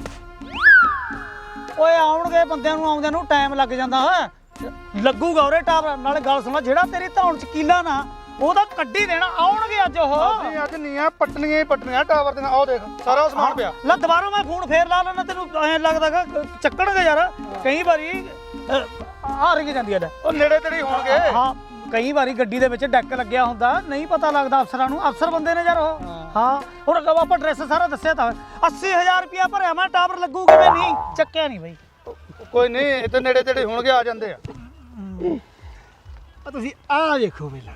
[SPEAKER 1] ਓਏ ਆਉਣਗੇ, ਬੰਦਿਆਂ ਨੂੰ ਆਉਂਦਿਆਂ ਨੂੰ ਟਾਈਮ ਲੱਗ ਜਾਂਦਾ ਹੈ। ਲੱਗੂਗਾ ਉਰੇ ਟਾਵਰ। ਨਾਲੇ ਗੱਲ ਸੁਣ, ਜਿਹੜਾ ਤੇਰੀ ਧੌਣ ਚ ਕੀਲਾ ਨਾ ਉਹਦਾ ਕੱਢੀ ਦੇਣਾ, ਆਉਣਗੇ ਅੱਜ ਉਹ।
[SPEAKER 6] ਅਸੀਂ ਅੱਜ ਨੀਆਂ ਪੱਟਣੀਆਂ ਹੀ ਪੱਟਣੀਆਂ ਟਾਵਰ ਦੀਆਂ। ਆਹ ਦੇਖ ਸਾਰਾ ਸਮਾਨ ਪਿਆ।
[SPEAKER 1] ਲੈ ਦੁਬਾਰਾ ਮੈਂ ਫੋਨ ਫੇਰ ਲਾ ਲੈਣਾ, ਤੈਨੂੰ ਐਂ ਲੱਗਦਾਗਾ ਚੱਕਣਗੇ ਯਾਰ। ਕਈ ਵਾਰੀ ਆ ਰਿੰਗ ਜਾਂਦੀ ਹੈ।
[SPEAKER 6] ਉਹ ਨੇੜੇ ਤੇੜੇ ਹੋਣਗੇ।
[SPEAKER 1] ਹਾਂ ਕਈ ਵਾਰੀ ਗੱਡੀ ਦੇ ਵਿੱਚ ਡੈਕ ਲੱਗਿਆ ਹੁੰਦਾ, ਨਹੀਂ ਪਤਾ ਲੱਗਦਾ ਅਫਸਰਾਂ ਨੂੰ। ਅਫਸਰ ਬੰਦੇ ਨੇ ਯਾਰ ਉਹ। ਹਾਂ ਹੁਣ ਆਪਾਂ ਐਡਰੈਸ ਸਾਰਾ ਦੱਸਿਆ ਤਾਂ ਅੱਸੀ ਹਜ਼ਾਰ ਰੁਪਇਆ ਭਰਿਆ ਮੈਂ, ਟਾਵਰ ਲੱਗੂ ਕਿਵੇਂ ਨਹੀਂ? ਚੱਕਿਆ ਨਹੀਂ ਬਾਈ।
[SPEAKER 6] ਕੋਈ ਨਹੀਂ, ਇੱਥੇ ਨੇੜੇ ਤੇੜੇ ਹੋਣਗੇ, ਆ ਜਾਂਦੇ ਆ।
[SPEAKER 3] ਆ ਤੁਸੀਂ ਆਹ ਦੇਖੋ ਪਹਿਲਾਂ।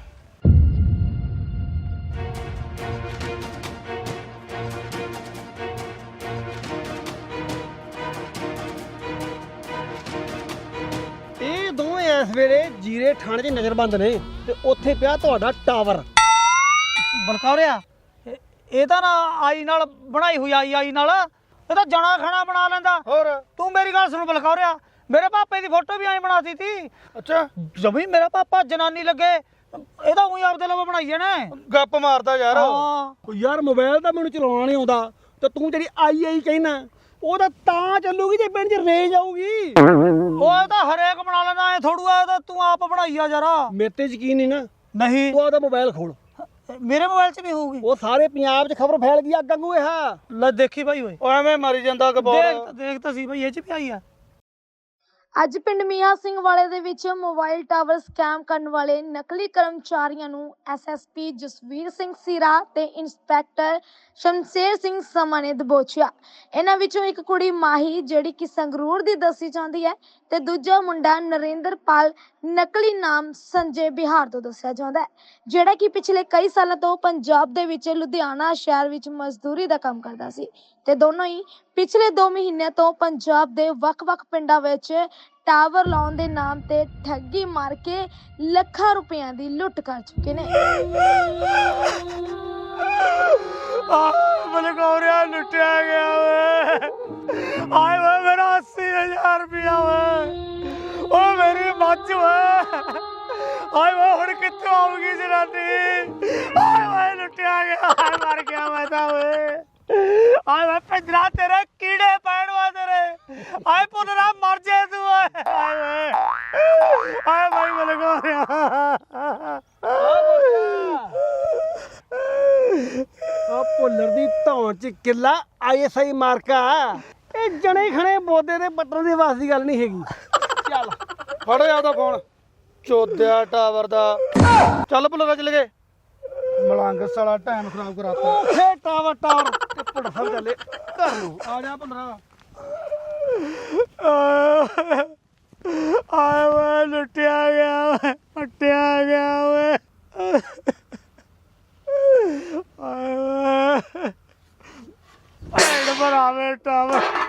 [SPEAKER 3] ਇਹ ਦੋਵੇਂ ਇਸ ਵੇਲੇ ਜੀਰੇ ਥਾਣੇ 'ਚ ਨਜ਼ਰਬੰਦ ਨੇ, ਤੇ ਉੱਥੇ ਪਿਆ ਤੁਹਾਡਾ ਟਾਵਰ।
[SPEAKER 1] ਬਲਕੌਰਿਆ ਇਹ- ਇਹ ਤਾਂ ਨਾ ਆਈ ਨਾਲ ਬਣਾਈ ਹੋਈ ਆਈ ਆਈ ਨਾਲ, ਇਹ ਤਾਂ ਜਣਾ ਖਾਣਾ ਬਣਾ ਲੈਂਦਾ।
[SPEAKER 6] ਹੋਰ
[SPEAKER 1] ਤੂੰ ਮੇਰੀ ਗੱਲ ਸੁਣ ਬਲਕੌਰਿਆ, ਮੇਰੇ ਪਾਪੇ ਦੀ ਫੋਟੋ ਵੀ ਐਂ ਬਣਾਤੀ ਤੀ।
[SPEAKER 6] ਅੱਛਾ
[SPEAKER 1] ਜਮੀ ਮੇਰਾ ਪਾਪਾ ਜਨਾਨੀ ਲੱਗੇ, ਇਹਦਾ ਉਹੀ ਆਪਦੇ ਲਵੋ ਬਣਾਈਏ ਨੇ।
[SPEAKER 6] ਗੱਪ ਮਾਰਦਾ ਯਾਰ।
[SPEAKER 1] ਹਾਂ
[SPEAKER 3] ਉਹ ਯਾਰ ਮੋਬਾਈਲ ਤਾਂ ਮੈਨੂੰ ਚਲਾਉਣਾ ਨਹੀਂ ਆਉਂਦਾ, ਤੇ ਤੂੰ ਜਿਹੜੀ ਆਈ ਆਈ ਕਹਿਣਾ ਉਹ ਤਾਂ ਤਾਂ ਚੱਲੂਗੀ ਜੇ ਪਿੰਡ 'ਚ ਰੇਂਜ ਆਊਗੀ।
[SPEAKER 1] ਉਹ ਤਾਂ ਹਰੇਕ ਬਣਾ ਲੈਂਦਾ, ਐ ਥੋੜੂ ਆ ਤਾਂ ਤੂੰ ਆਪ ਬਣਾਈ ਆ ਜਰਾ।
[SPEAKER 3] ਮੇਰੇ ਤੇ ਯਕੀਨ ਨਹੀਂ ਨਾ,
[SPEAKER 1] ਨਹੀਂ
[SPEAKER 3] ਤੂੰ ਉਹਦਾ ਮੋਬਾਈਲ ਖੋਲ,
[SPEAKER 1] ਮੇਰੇ ਮੋਬਾਈਲ 'ਚ ਵੀ ਹੋਊਗੀ।
[SPEAKER 3] ਉਹ ਸਾਰੇ ਪੰਜਾਬ 'ਚ ਖਬਰ ਫੈਲ ਗਈ ਅੱਗ ਵਾਂਗੂ ਇਹ।
[SPEAKER 1] ਲੈ ਦੇਖੀ ਭਾਈ ਓਏ,
[SPEAKER 6] ਉਹ ਐਵੇਂ ਮਾਰੀ ਜਾਂਦਾ
[SPEAKER 1] ਦੇਖ
[SPEAKER 6] ਕਬੋਰ।
[SPEAKER 1] ਤਾਂ ਦੇਖ ਤਾਂ ਸੀ ਭਾਈ ਇਹ 'ਚ ਵੀ ਆਈ ਆ।
[SPEAKER 7] ਅੱਜ ਪਿੰਡ ਮੀਆਂ ਸਿੰਘ ਵਾਲੇ ਦੇ ਵਿੱਚ ਮੋਬਾਈਲ ਟਾਵਰ ਸਕੈਮ ਕਰਨ ਵਾਲੇ ਨਕਲੀ ਕਰਮਚਾਰੀਆਂ ਨੂੰ ਐਸਐਸਪੀ ਜਸਵੀਰ ਸਿੰਘ ਸੀਰਾ ਤੇ ਇੰਸਪੈਕਟਰ ਸ਼ਮਸ਼ੇਰ ਸਿੰਘ ਸਮਾ ਨੇ ਦਬੋਚਿਆ। ਇਹਨਾਂ ਵਿੱਚੋਂ ਇੱਕ ਕੁੜੀ ਮਾਹੀ ਜਿਹੜੀ ਕਿ ਸੰਗਰੂਰ ਦੀ ਦੱਸੀ ਜਾਂਦੀ ਹੈ ਤੇ ਦੂਜਾ ਮੁੰਡਾ ਨਰਿੰਦਰਪਾਲ ਨਕਲੀ ਨਾਮ ਸੰਜੇ ਬਿਹਾਰ ਤੋਂ ਦੱਸਿਆ ਜਾਂਦਾ ਹੈ, ਜਿਹੜਾ ਕਿ ਪਿਛਲੇ ਕਈ ਸਾਲਾਂ ਤੋਂ ਪੰਜਾਬ ਦੇ ਵਿੱਚ ਲੁਧਿਆਣਾ ਸ਼ਹਿਰ ਵਿੱਚ ਮਜ਼ਦੂਰੀ ਦਾ ਕੰਮ ਕਰਦਾ ਸੀ ਤੇ ਦੋਨੋਂ ਹੀ ਪਿਛਲੇ ਦੋ ਮਹੀਨਿਆਂ ਤੋਂ ਪੰਜਾਬ ਦੇ ਵੱਖ-ਵੱਖ ਪਿੰਡਾਂ ਵਿੱਚ ਟਾਵਰ ਲਾਉਣ ਦੇ ਨਾਮ ਤੇ ਠੱਗੀ ਮਾਰ ਕੇ ਲੱਖਾਂ ਰੁਪਈਆਂ ਦੀ ਲੁੱਟ ਕਰ ਚੁੱਕੇ ਨੇ।
[SPEAKER 1] ਬਲਗੌਰਿਆ ਲੁੱਟਿਆ ਗਿਆ ਵੇ, ਆਏ ਵੇ ਮੇਰਾ अस्सी हज़ार ਰੁਪਇਆ ਵੇ, ਓ ਮੇਰੀ ਮੱਝ ਵੇ, ਆਏ ਵੇ ਹੁਣ ਕਿੱਥੋਂ ਆਊਗੀ ਜਨਾਨੀ, ਆਏ ਵੇ ਲੁੱਟਿਆ ਗਿਆ, ਆਏ ਮਰ ਗਿਆ ਮੈਂ ਤਾਂ ਵੇ, ਆਏ ਵੇ ਪਿੰਜਰਾ ਤੇਰੇ ਕੀੜੇ ਪੈਣ ਵਾ ਤੇਰੇ, ਆਏ ਪੁੱਤਰਾ ਮਰ ਜੇ ਤੂੰ, ਆਏ ਵੇ ਆਏ ਭਾਈ ਬਲਗੌਰਿਆ।
[SPEAKER 3] ਉਹ ਭੁੱਲਰ ਦੀ ਧੌਣ 'ਚ ਕਿੱਲਾ ਆਈਐਸਆਈ ਮਾਰਕਾ। ਇਹ ਜਣੇ ਖਣੇ ਬੋਦੇ ਦੇ ਬਟਨ ਦੇ ਵਾਸ ਦੀ ਗੱਲ ਨਹੀਂ ਹੈਗੀ। ਚੱਲ
[SPEAKER 6] ਫੜ ਜਾ ਉਹਦਾ ਫੋਨ, ਚੋਦਿਆ ਟਾਵਰ ਦਾ। ਚੱਲ ਭੁੱਲਰ ਚੱਲ ਗਏ, ਮਲੰਗ ਸਾਲਾ ਟਾਈਮ ਖਰਾਬ ਕਰਾਤਾ।
[SPEAKER 3] ਫੇ ਟਾਵਰ ਟਾਵਰ ਟਿੱਪੜ ਸਭ ਚੱਲੇ ਘਰ ਨੂੰ।
[SPEAKER 6] ਆ ਜਾ ਭੁੱਲਰ।
[SPEAKER 1] ਆਏ ਵੇ ਲੁੱਟਿਆ ਗਿਆ ਵੇ, ਲੁੱਟਿਆ ਗਿਆ ਵੇ, ਆਏ ਵੇ ਭੈਣ ਭਰਾਵੇ ਟਾਵਰ।